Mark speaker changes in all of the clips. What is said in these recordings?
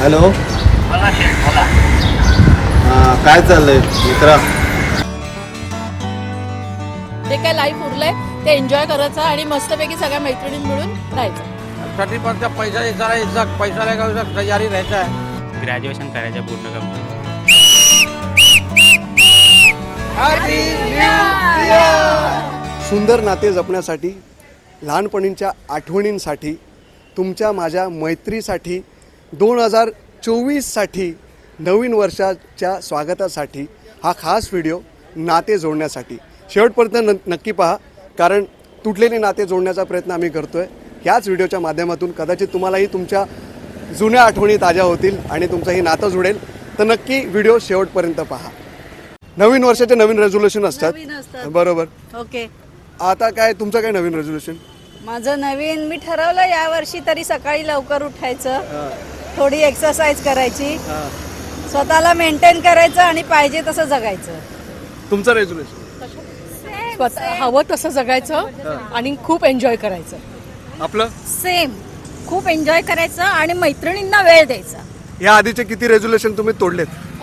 Speaker 1: Hello.
Speaker 2: बोला शेठ बोला.
Speaker 1: काय चाललंय मित्रा?
Speaker 3: जे काय लाईफ उरलंय ते एन्जॉय करायचं आणि मस्तपैकी सगळ्या मैत्रिणी मिळून राहायचं.
Speaker 2: साठी पण पैसा यायचा पैसा लगायचा तयारी राहायचा आहे.
Speaker 4: ग्रॅज्युएशन करायचं पूर्ण कंप्लीट.
Speaker 5: सुंदर नाते जपण्यासाठी, लहानपणीच्या आठवणींसाठी, तुमच्या माझ्या मैत्रीसाठी, 2024साठी, नवीन वर्षाच्या स्वागतासाठी हा खास व्हिडिओ नाते जोडण्यासाठी शेवटपर्यंत नक्की पहा, कारण तुटलेली नाते जोडण्याचा प्रयत्न आम्ही करतो आहे. ह्याच व्हिडिओच्या माध्यमातून कदाचित तुम्हालाही तुमच्या जुन्या आठवणी ताज्या होतील आणि तुमचंही नातं जुळेल. तर नक्की व्हिडिओ शेवटपर्यंत पहा. नवीन वर्षाचे नवीन रेझोल्युशन असतात, बरोबर?
Speaker 6: ओके.
Speaker 5: आता काय तुमचं काय नवीन रेझोल्युशन?
Speaker 6: माझं नवीन मी ठरवलं यावर्षी तरी सकाळी लवकर उठायचं, थोडी एक्सरसाइज करायची, स्वतःला मेंटेन करायचं आणि पाहिजे तसं जगायचं.
Speaker 5: तुमचं रेझोल्युशन?
Speaker 3: हवं तसं जगायचं आणि खूप एन्जॉय करायचं.
Speaker 5: आपलं
Speaker 6: सेम, खूप एन्जॉय करायचं आणि मैत्रिणींना वेळ द्यायचा.
Speaker 5: या आधीचे किती रेझोल्युशन तुम्ही तोडलेत?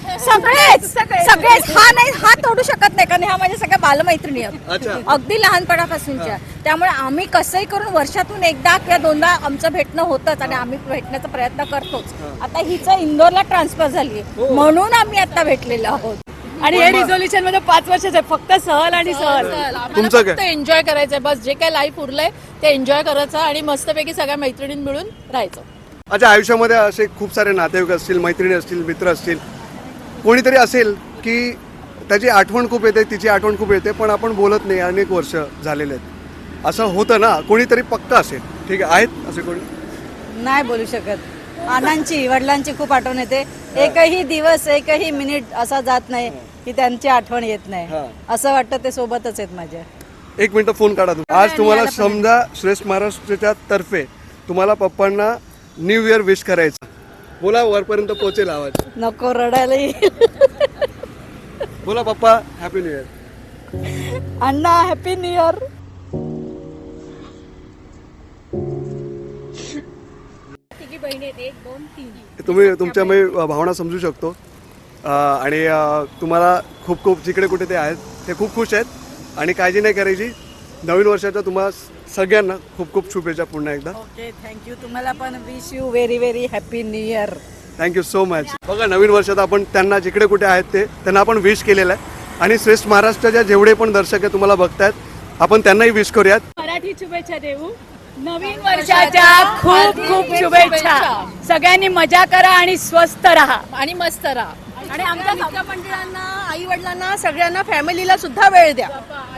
Speaker 6: सगळेच हा तोडू शकत नाही, कारण ह्या माझ्या सगळ्या बालमैत्रिणी आहेत,
Speaker 5: अच्छा.
Speaker 6: अगदी लहानपणापासूनच्या. त्यामुळे आम्ही कसंही करून वर्षातून एकदा किंवा दोनदा आमचं भेटणं होतंच आणि आम्ही भेटण्याचा प्रयत्न करतोच. आता हिचं इंदोरला ट्रान्सफर झाली म्हणून आम्ही आता भेटलेलो आहोत.
Speaker 3: आणि हे रिझोल्युशन मध्ये 5 वर्षाचं आहे, फक्त सहल आणि सहल.
Speaker 5: तुमचं काय?
Speaker 3: फक्त एन्जॉय करायचंय बस. जे काय लाईफ उरलंय ते एन्जॉय करायचं आणि मस्तपैकी सगळ्या मैत्रिणी मिळून राहायचं.
Speaker 5: अच्छा, आयुष्यामध्ये असे खूप सारे नातेवाईक असतील, मैत्रिणी असतील, मित्र असतील, कोणीतरी असेल की त्याची आठवण खूप येते, तिची आठवण खूप येते, पण आपण बोलत नाही, अनेक वर्ष झालेले आहेत. असं होतं ना, कोणीतरी पक्का असेल. ठीक आहे, आहेत असे कोणी?
Speaker 6: नाही बोलू शकत. आनंदची, वडिलांची खूप आठवण येते. एकही दिवस, एकही मिनिट असा जात नाही की त्यांची आठवण येत नाही. असं वाटतं ते सोबतच आहेत माझ्या.
Speaker 5: 1 मिनिट फोन काढा तुम्ही. आज तुम्हाला समजा श्रेष्ठ महाराष्ट्राच्या तर्फे तुम्हाला पप्पांना न्यू इयर विश करायचं. बोला, वरपर्यंत पोहोचेल आवाज.
Speaker 6: नको, रडायला येईल.
Speaker 5: बोला पप्पा, हॅपी न्यू इयर.
Speaker 6: अण्णा, हॅपी न्यू इयर.
Speaker 5: तुम्ही तुमच्या मी भावना समजू शकतो आणि तुम्हाला खूप खूप जिकडे कुठे ते आहेत ते खूप खुश आहेत आणि काळजी नाही करायची. नवीन वर्षाच्या तुम्हाला सगळ्यांना खूप खूप शुभेच्छा पुन्हा एकदा.
Speaker 6: Okay, thank you. तुम्हाला पण wish you very very happy new year.
Speaker 5: Thank you so much. बघा, नवीन वर्षात आपण त्यांना जिकडे कुठे आहेत ते त्यांना आपण विश केलेलं आहे आणि श्रेष्ठ महाराष्ट्राच्या जेवढे पण दर्शक आहे तुम्हाला बघतायत, आपण त्यांनाही विश करूयात.
Speaker 3: मराठी शुभेच्छा देऊ. नवीन वर्षाच्या खूप खूप शुभेच्छा. सगळ्यांनी मजा करा आणि स्वस्त राहा आणि मस्त राहा.
Speaker 6: आणि आमच्या मित्रमंडळांना, आई वडिलांना, सगळ्यांना, फॅमिलीला सुद्धा वेळ द्या.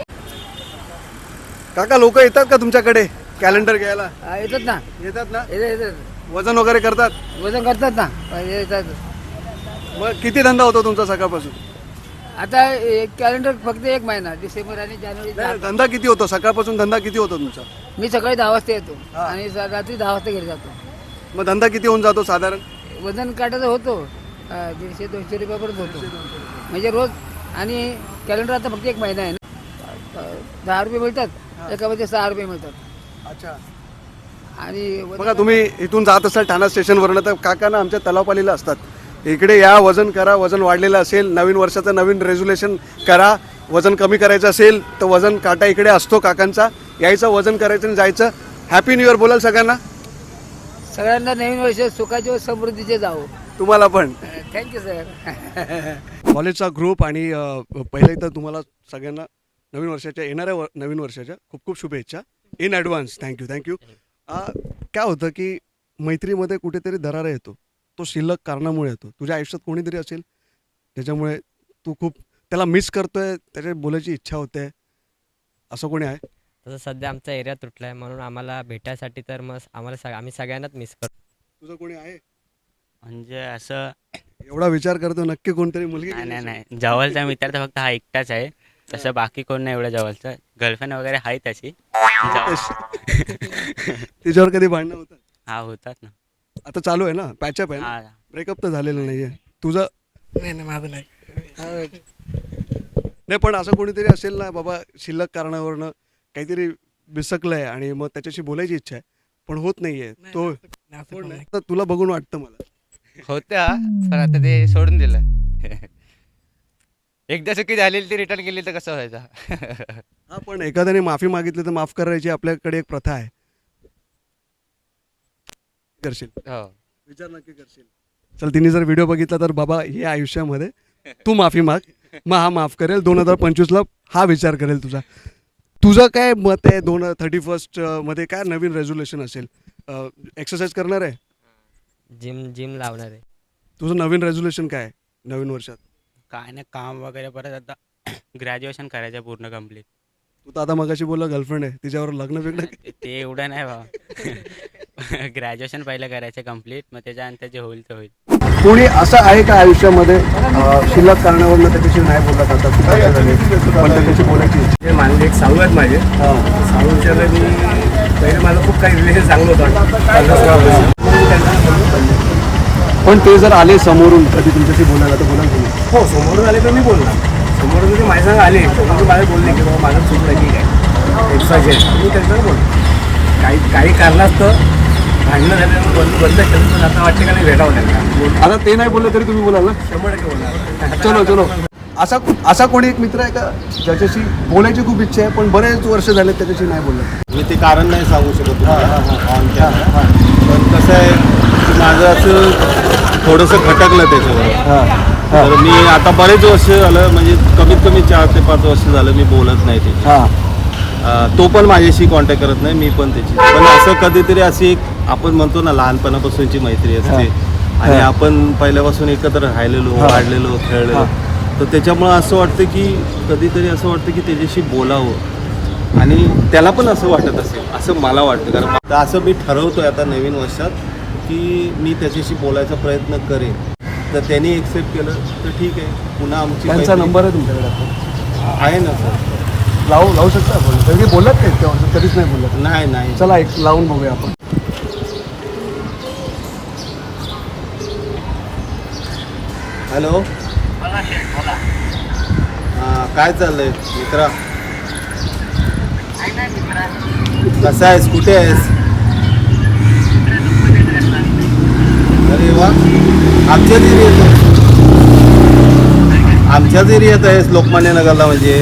Speaker 5: काका, लोक येतात का तुमच्याकडे कॅलेंडर घ्यायला?
Speaker 2: येतात ना,
Speaker 5: येतात ना?
Speaker 2: येतात
Speaker 5: वजन वगैरे करतात?
Speaker 2: वजन करतात ना, येतात.
Speaker 5: मग किती धंदा होतो तुमचा सकाळपासून?
Speaker 2: आता कॅलेंडर फक्त 1 महिना, डिसेंबर आणि जानेवारी.
Speaker 5: नाही, धंदा किती होतो सकाळपासून? धंदा किती होतो तुमचा?
Speaker 2: मी सकाळी 10 वाजता येतो आणि रात्री 10 वाजता घरी जातो.
Speaker 5: मग धंदा किती होऊन जातो साधारण?
Speaker 2: वजन काटायचं होतो 150-200 रुपयापर्यंत होतो म्हणजे रोज. आणि कॅलेंडर आता फक्त 1 महिना आहे ना. 10 रुपये मिळतात, एकामध्ये 6 रुपये मिळतात.
Speaker 5: अच्छा.
Speaker 2: आणि
Speaker 5: बघा, तुम्ही इथून जात असाल ठाणा स्टेशनवरनं तर काका ना आमच्या तलावपालीला असतात. इकडे या, वजन करा. वजन वाढलेलं असेल, नवीन वर्षाचं नवीन रेझोल्युशन करा. वजन कमी करायचं असेल तर वजन काटा इकडे असतो काकांचा. यायचं, वजन करायचं आणि जायचं. हॅपी न्यू इयर बोलाल सगळ्यांना.
Speaker 2: सगळ्यांना नवीन वर्ष सुखाचे व समृद्धीचे जावो.
Speaker 5: तुम्हाला पण
Speaker 2: थँक्यू सर.
Speaker 5: कॉलेजचा ग्रुप आणि पहिले तर तुम्हाला सगळ्यांना नवीन वर्षाच्या, येणाऱ्या नवीन वर्षाच्या खूप खूप शुभेच्छा इन ॲडव्हान्स. थँक्यू. काय होतं की मैत्रीमध्ये कुठेतरी दरारा येतो, तो शिल्लक कारणामुळे येतो. तुझ्या आयुष्यात कोणीतरी असेल त्याच्यामुळे तू खूप त्याला मिस करतोय, त्याच्या बोलायची इच्छा होते, असं कोणी आहे?
Speaker 4: तसं सध्या आमचा एरिया तुटला आहे म्हणून आम्हाला भेटायसाठी तर मग आम्ही सगळ्यांनाच मिस करतो.
Speaker 5: तुझं कोणी आहे
Speaker 4: म्हणजे असं
Speaker 5: एवढा विचार करतो? नक्की कोणतरी मुलगी?
Speaker 4: नाही, जवळचा मित्र तर फक्त हा एकटाच आहे. तसं बाकी कोण नाही एवढं जवळचं. गर्लफ्रेंड वगैरे आहे त्याची.
Speaker 5: तिच्यावर कधी भांडणं होतात?
Speaker 4: हा, होतात ना.
Speaker 5: आता चालू आहे ना, पॅचअप आहे ना?
Speaker 4: हा.
Speaker 5: ब्रेकअप तर झालेलं नाहीये तुझं?
Speaker 2: नाही, माझं नाही.
Speaker 5: नाही, पण असं कोणीतरी असेल ना बाबा, शिल्लक कारणावरनं काहीतरी बिसकलंय आणि मग त्याच्याशी बोलायची इच्छा आहे पण होत नाहीये. तो तर तुला बघून वाटतं मला
Speaker 7: होत्या पण आता ते सोडून दिलं. एकदा चुकी झालेली ती रिटर्न केली तर कसं व्हायचं.
Speaker 5: हा, पण एखाद्याने माफी मागितली तर माफ करायची आपल्याकडे एक प्रथा आहे. करशील
Speaker 7: हो.
Speaker 5: विचार नक्की करशील. चल, तिने जर व्हिडिओ बघितला तर बाबा हे आयुष्यामध्ये तू माफी माग, मग हा माफ करेल. 2025ला हा विचार करेल तुझा. तुझं काय मत आहे? 31 मध्ये काय नवीन रेझोल्युशन असेल? एक्सरसाइज करणार आहे?
Speaker 4: जिम लावणार आहे.
Speaker 5: तुझं नवीन रेझोल्युशन काय आहे नवीन वर्षात?
Speaker 4: काय नाही, काम वगैरे परत आता ग्रॅज्युएशन करायचं पूर्ण कम्प्लीट.
Speaker 5: तू तर आता मगाशी बोलला गर्लफ्रेंड आहे, तिच्यावर लग्न बिग्न.
Speaker 4: ते एवढं नाही बा. ग्रॅज्युएशन पहिलं करायचं कम्प्लीट, मग त्याच्यानंतर जे होईल ते होईल.
Speaker 5: कोणी असं आहे का आयुष्यामध्ये शिल्लक कारणावरनं त्याच्याशी नाही बोलला जातात, पण त्याच्याशी बोलायची इच्छा?
Speaker 8: ते मानले एक साऊ आहेत माझे. साऊ विचारलं मी पहिले माझं खूप काही रिलेशन चांगलं होतं.
Speaker 5: पण ते जर आले समोरून कधी तुमच्याशी बोलायला तर बोलाल तुम्ही?
Speaker 8: हो, समोरून आले तर मी बोलणार. समोरून जरी माझ्या संग आले तर मला बोलले की बाबा माझं चूक नाही, ठीक आहे, एक्साचे मी त्यांच्यावर बोलतो. काही कारणास्तव भांडणं झाल्यामुळे बंद केलं, पण आता वाटते का नाही भेटावं त्यांना.
Speaker 5: आता ते नाही बोलले तरी तुम्ही बोलाल ना?
Speaker 8: 100% बोलणार.
Speaker 5: चलो. असा कोणी एक मित्र आहे का ज्याच्याशी बोलायची खूप इच्छा आहे पण बरेच वर्ष झाले त्याच्याशी नाही बोललं?
Speaker 1: मी ते कारण नाही सांगू शकत ऑन कॅमेरा. पण कसं आहे की माझं असं थोडंसं खटकलं त्याच्यावर. तर मी आता बरेच वर्ष झालं, म्हणजे कमीत कमी 4 ते 5 वर्ष झालं मी बोलत नाही त्याची. तो पण माझ्याशी कॉन्टॅक्ट करत नाही, मी पण त्याची. पण असं कधीतरी अशी एक आपण म्हणतो ना लहानपणापासूनची मैत्री असते आणि आपण पहिल्यापासून एकत्र राहिलेलो, वाढलेलो, खेळलेलो. तर त्याच्यामुळं असं वाटतं की कधीतरी असं वाटतं की त्याच्याशी बोलावं आणि त्याला पण असं वाटत असेल असं मला वाटतं. कारण असं मी ठरवतोय आता नवीन वर्षात की मी त्याच्याशी बोलायचा प्रयत्न करेन. तर त्यांनी एक्सेप्ट केलं तर ठीक आहे. पुन्हा आमची
Speaker 5: त्यांचा
Speaker 1: मैत्री
Speaker 5: नंबर आहे तुमच्याकडे आता?
Speaker 1: आहे ना सर.
Speaker 5: लावू शकता आपण? तरी बोलत नाही तेव्हा, कधीच नाही बोलत.
Speaker 1: नाही.
Speaker 5: चला एक लावून बघूया आपण.
Speaker 1: हॅलो. काय चाललंय मित्रा? कसा आहेस? कुठे आहेस? अरे वा, आमच्याच एरियात आहेस लोकमान्य नगरला. म्हणजे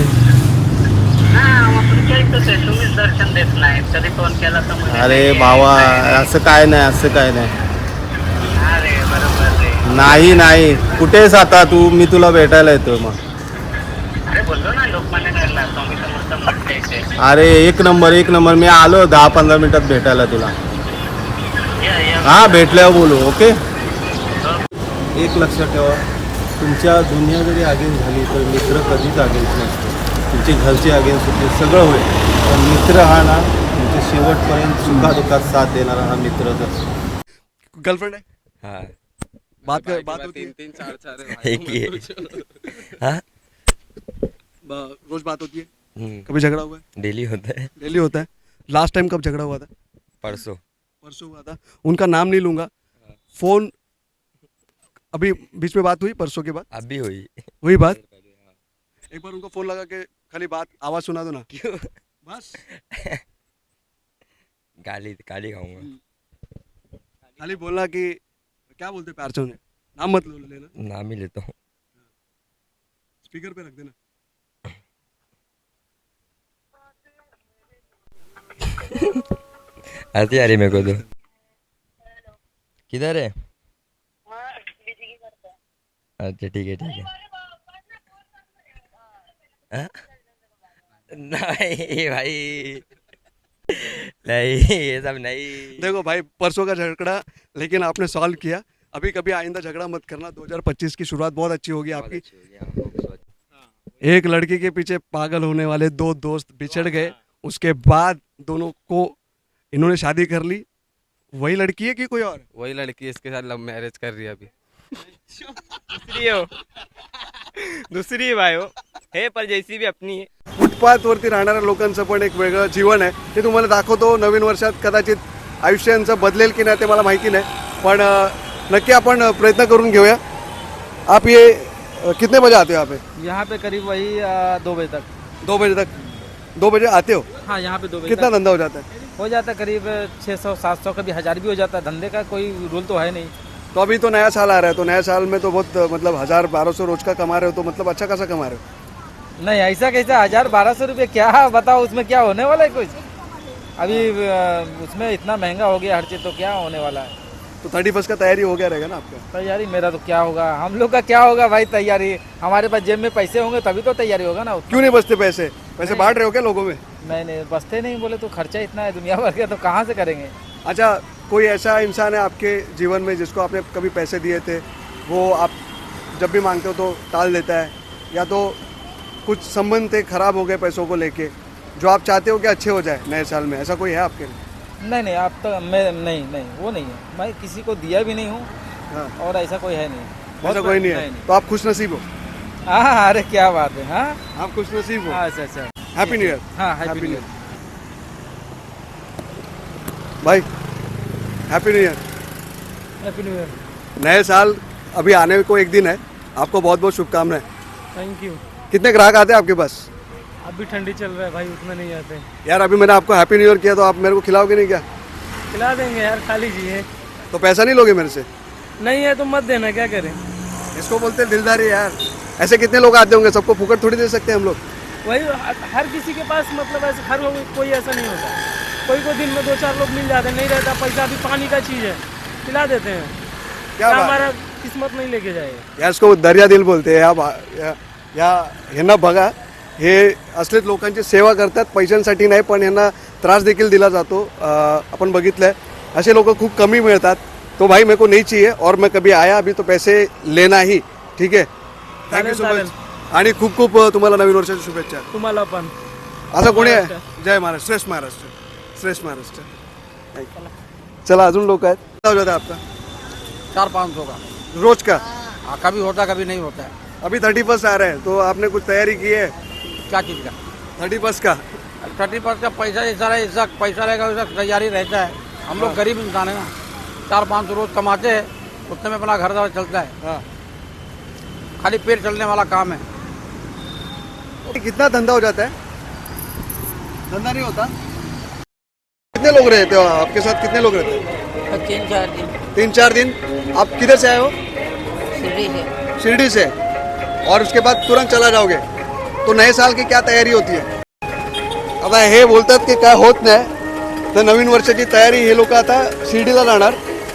Speaker 9: दर्शन देत नाही तरी फोन केला तर
Speaker 1: अरे भावा, असं काय नाही.
Speaker 9: अरे बरोबर.
Speaker 1: नाही. कुठे आहेस आता तू? मी तुला भेटायला येतोय मग.
Speaker 9: अरे बोललो ना लोकमान्य नगरला स्वामी समर्थ मठ इथे.
Speaker 1: अरे एक नंबर. मी आलो 10-15 मिनिटात भेटायला तुला. हा, भेटल्यावर बोलू. ओके. एक लक्षात ठेवा, तुमच्या दुनिया जरी अगेन्स्ट झाली तर मित्र कधीच अगेन्स्ट नसतो. तुमचे घरचे अगेन्स्ट होते, सगळं होईल, पण मित्र हा ना तुमच्या शेवटपर्यंत सुखादुखात साथ देणारा हा मित्रच असतो.
Speaker 5: गर्लफ्रेंड आहे?
Speaker 7: हाँ.
Speaker 5: बात होती है?
Speaker 7: 3 4 एक ही है. हाँ.
Speaker 5: रोज बात होती है? कभी झगड़ा हुआ है?
Speaker 7: डेली होता है.
Speaker 5: डेली होता है. लास्ट टाइम कब झगड़ा हुआ था?
Speaker 7: परसों
Speaker 5: हुआ था. उनका नाम नहीं लूंगा. फोन अभी बीच में बात हुई परसों के बाद?
Speaker 7: अभी
Speaker 5: हुई बात. एक बार उनको फोन लगा के खाली बात आवाज सुना दो ना. क्यों? बस
Speaker 7: गाली खाऊंगा.
Speaker 5: खाली बोलना कि क्या बोलते प्यार से उन्हें, नाम मत लेना.
Speaker 7: नाम ही लेता हूँ.
Speaker 5: स्पीकर पे रख देना.
Speaker 7: आती आ रही मेरे को तो. किधर है? अच्छा ठीक है. हाँ? नहीं भाई, नहीं ये सब नहीं.
Speaker 5: देखो भाई, परसों का झगड़ा लेकिन आपने सॉल्व किया. अभी कभी आइंदा झगड़ा मत करना. 2025 की शुरुआत बहुत अच्छी होगी आपकी. एक लड़की के पीछे पागल होने वाले 2 दोस्त बिछड़ गए, उसके बाद दोनों को इन्होंने शादी कर ली. वही लड़की है कि कोई और?
Speaker 7: वही लड़की इसके साथ लव मैरिज कर रही है अभी. दूसरी भाई हो हे, पर जैसी भी अपनी है.
Speaker 5: फुटपाथवरती राहणाऱ्या लोकांचं पण एक वेगळं जीवन आहे. ते तुम्हाला दाखवतो. नवीन वर्षात कदाचित आयुष्यांचं बदलेल की नाही ते मला माहिती नाही, पण नक्की आपण प्रयत्न करून घेऊया. आप ये कितने बजे आते हो यहाँ पे?
Speaker 10: यहाँ पे करीब वही 2 बजे तक.
Speaker 5: 2 बजे तक. 2 बजे आते हो?
Speaker 10: हाँ, यहाँ पे 2 बजे
Speaker 5: कितना
Speaker 10: तक
Speaker 5: धंधा हो जाता है?
Speaker 10: हो जाता है करीब 600 700, कभी 1000 भी हो जाता है. धंधे का कोई रूल तो है नहीं.
Speaker 5: तो अभी तो नया साल आ रहा है, तो नया साल में तो बहुत मतलब 1000-1200 रोज का कमा रहे हो, तो मतलब अच्छा खासा कमा रहे हो।
Speaker 10: नहीं ऐसा कैसा 1000-1200 रुपये क्या बताओ, उसमें क्या होने वाला है कुछ। अभी उसमें इतना महंगा हो गया हर चीज़, तो क्या होने वाला है।
Speaker 5: तो 31 का तैयारी हो गया रहेगा ना आपका?
Speaker 10: तैयारी मेरा तो क्या होगा, हम लोग का क्या होगा भाई तैयारी। हमारे पास जेब में पैसे होंगे तभी तो तैयारी होगा ना।
Speaker 5: क्यों नहीं बचते पैसे? पैसे बांट रहे हो क्या लोगों में?
Speaker 10: नहीं बचते नहीं, बोले तो खर्चा इतना है दुनिया भर का, तो कहाँ से करेंगे।
Speaker 5: अच्छा, कोई ऐसा इंसान है आपके जीवन में जिसको आपने कभी पैसे दिए थे, वो आप जब भी मांगते हो तो टाल देता है, या तो कुछ संबंध थे खराब हो गए पैसों को लेके, जो आप चाहते हो कि अच्छे हो जाए नए साल में, ऐसा कोई है आपके लिए?
Speaker 10: नहीं आप तो मैं नहीं वो नहीं है, मैं किसी को दिया भी नहीं हूँ।
Speaker 5: हाँ।
Speaker 10: और ऐसा कोई है नहीं।
Speaker 5: ऐसा कोई नहीं है? तो आप खुश नसीब हो?
Speaker 10: हाँ अरे क्या बात है। हाँ
Speaker 5: आप खुश नसीब हो?
Speaker 10: अच्छा
Speaker 5: हैप्पी न्यू ईयर।
Speaker 10: हाँ हैप्पी न्यू ईयर
Speaker 5: भाई, happy new year.
Speaker 10: Happy new year.
Speaker 5: नए साल अभी आने को एक दिन है, आपको बहुत बहुत शुभकामनाएं।
Speaker 10: Thank you.
Speaker 5: कितने ग्राहक आते हैं आपके पास?
Speaker 10: अभी ठंडी चल रहा है भाई, उतना नहीं आते।
Speaker 5: यार अभी मैंने आपको हैप्पी न्यू ईयर किया, तो आप मेरे को खिलाओगे नहीं क्या?
Speaker 10: खिला देंगे यार, खा लीजिए।
Speaker 5: तो पैसा नहीं लोगे मेरे से?
Speaker 10: नहीं है तो मत देना, क्या करें।
Speaker 5: इसको बोलते हैं दिलदारी यार। ऐसे कितने लोग आते होंगे, सबको फुकट थोड़ी दे सकते हैं हम लोग।
Speaker 10: वही हर किसी के पास मतलब ऐसे हर कोई ऐसा नहीं होता। कोई दिन में 2-4 लोग मिल जाते, नहीं रहता पैसा, अभी पानी का चीज़ है, खिला देते हैं।
Speaker 5: क्या बात?
Speaker 10: हमारा किस्मत नहीं लेके जाएगा
Speaker 5: यार इसको दर्या दिल बोलते हैं। या ह्यांना बघा, हे असलेच लोकांची सेवा करतात, पैशांसाठी नाही पण ह्यांना त्रास देखील दिला जातो। आपण बघितलंय असे लोक खूप कमी मिळतात। तो भाई मेरे को नहीं चाहिए और मैं कभी आया अभी तो पैसे लेना ही, ठीक है। थँक्यू सो मच आणि खूप खूप तुम्हाला नवीन वर्षाच्या शुभेच्छा।
Speaker 10: तुम्हाला पण।
Speaker 5: असं कोणी आहे? जय महाराष्ट्र, श्रेष्ठ महाराष्ट्र, श्रेष्ठ महाराष्ट्र। चला अजून लोक आहेत। कितना हो जाता है आपका?
Speaker 10: 400-500 का
Speaker 5: रोज का?
Speaker 10: कभी होता कभी नहीं होता है।
Speaker 5: अभी 31 आ रहा है, तो आपने कुछ तैयारी की है
Speaker 10: क्या चीज़ का?
Speaker 5: 31 का?
Speaker 10: 30% का पैसा ऐसा पैसा रहेगा, वैसा तैयारी रहता है। हम लोग गरीब इंसान है ना, 400-500 रोज कमाते हैं, उतने में अपना घर द्वार चलता है।
Speaker 5: हाँ।
Speaker 10: खाली पेट चलने वाला काम है।
Speaker 5: कितना धंधा हो जाता है? धंधा नहीं होता? कितने लोग रहते हो आपके साथ? कितने लोग रहते हैं?
Speaker 2: 3-4 दिन
Speaker 5: 3-4 दिन। आप किधर से आए हो?
Speaker 2: शिरडी से।
Speaker 5: शिरडी से। और उसके बाद तुरंत चला जाओगे, तो नए साल की क्या तयारी होती है? आता हे बोलतात की काय होत नाही, तर नवीन वर्षाची तयारी हे लोक आता शिर्डीला जाणार।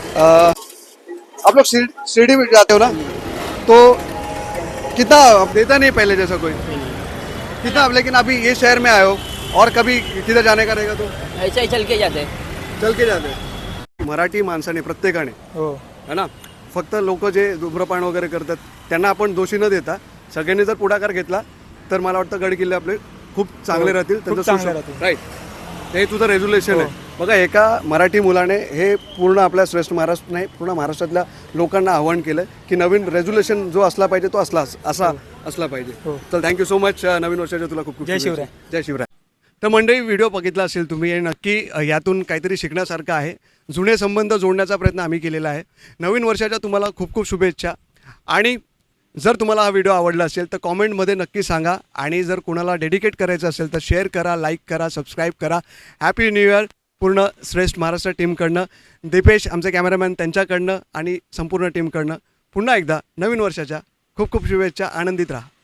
Speaker 5: आप लोग शिरडी में जाते हो ना, तो कितना आप देता नहीं पहले जैसा कोई कितना आप, लेकिन अभी ये शहर में आए हो और कभी किधर जाने का रहेगा तो
Speaker 2: ऐसा ही चल के जाते
Speaker 5: चल के जाते। मराठी माणसाने प्रत्येकाने
Speaker 10: हो
Speaker 5: है ना, फक्त लोक जे धूम्रपान वगैरे करतात त्यांना आपण दोषी न देता सगळ्यांनी जर पुढाकार घेतला तर मला वाटतं गड किल्ले आपले खूप चांगले राहतील, राईट। हे तुझं रेझोल्युशन आहे। बघा, एका मराठी मुलाने हे पूर्ण आपल्या श्रेष्ठ महाराष्ट्र नाही, पूर्ण महाराष्ट्रातल्या लोकांना आव्हान केलं की नवीन रेझोल्युशन जो असला पाहिजे तो असा असला पाहिजे। तर थँक्यू सो मच। नवीन वर्षाच्या तुला खूप खूप
Speaker 10: जय शिवराय।
Speaker 5: जय शिवराय। तर मंडळी, व्हिडिओ बघितला असेल तुम्ही, आणि नक्की यातून काहीतरी शिकण्यासारखं आहे। जुने संबंध जोडण्याचा प्रयत्न आम्ही केलेला आहे। नवीन वर्षाच्या तुम्हाला खूप खूप शुभेच्छा। आणि जर तुम्हाला हा व्हिडिओ आवडला असेल तर कॉमेंटमध्ये नक्की सांगा, आणि जर कुणाला डेडिकेट करायचं असेल तर शेअर करा, लाईक करा, सबस्क्राईब करा। हॅपी न्यू इयर पूर्ण श्रेष्ठ महाराष्ट्र टीमकडनं, दीपेश आमचे कॅमेरामॅन त्यांच्याकडनं आणि संपूर्ण टीमकडनं पुन्हा एकदा नवीन वर्षाच्या खूप खूप शुभेच्छा। आनंदित राहा।